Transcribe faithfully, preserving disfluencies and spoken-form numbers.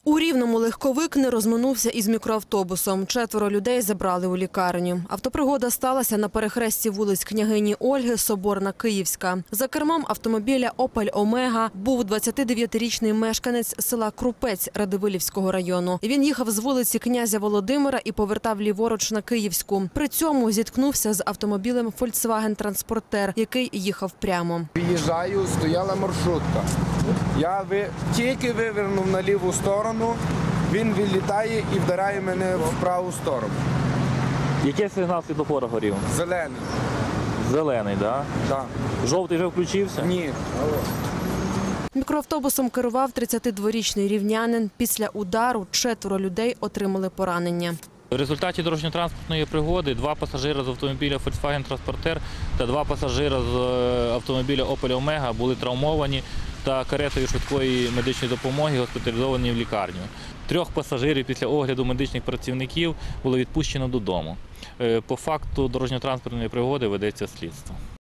У Рівному легковик не розминувся із мікроавтобусом. Четверо людей забрали у лікарню. Автопригода сталася на перехресті вулиць Княгині Ольги, Соборна, Київська. За кермом автомобіля «Опель Омега» був двадцятидев'ятирічний мешканець села Крупець Радивилівського району. Він їхав з вулиці Князя Володимира і повертав ліворуч на Київську. При цьому зіткнувся з автомобілем «Фольксваген-транспортер», який їхав прямо. Виїжджаю, стояла маршрутка. Я ви... тільки вивернув на ліву сторону, він вилітає і вдаряє мене в праву сторону. Який сигнал світлофора горів? Зелений. Зелений, так? Так. Жовтий вже включився? Ні. Мікроавтобусом керував тридцятидворічний рівнянин. Після удару четверо людей отримали поранення. В результаті дорожньо-транспортної пригоди два пасажири з автомобіля «Фольксваген-транспортер» та два пасажири з автомобіля «Опель Омега» були травмовані та каретою швидкої медичної допомоги госпіталізовані в лікарню. Трьох пасажирів після огляду медичних працівників було відпущено додому. По факту дорожньо-транспортної пригоди ведеться слідство.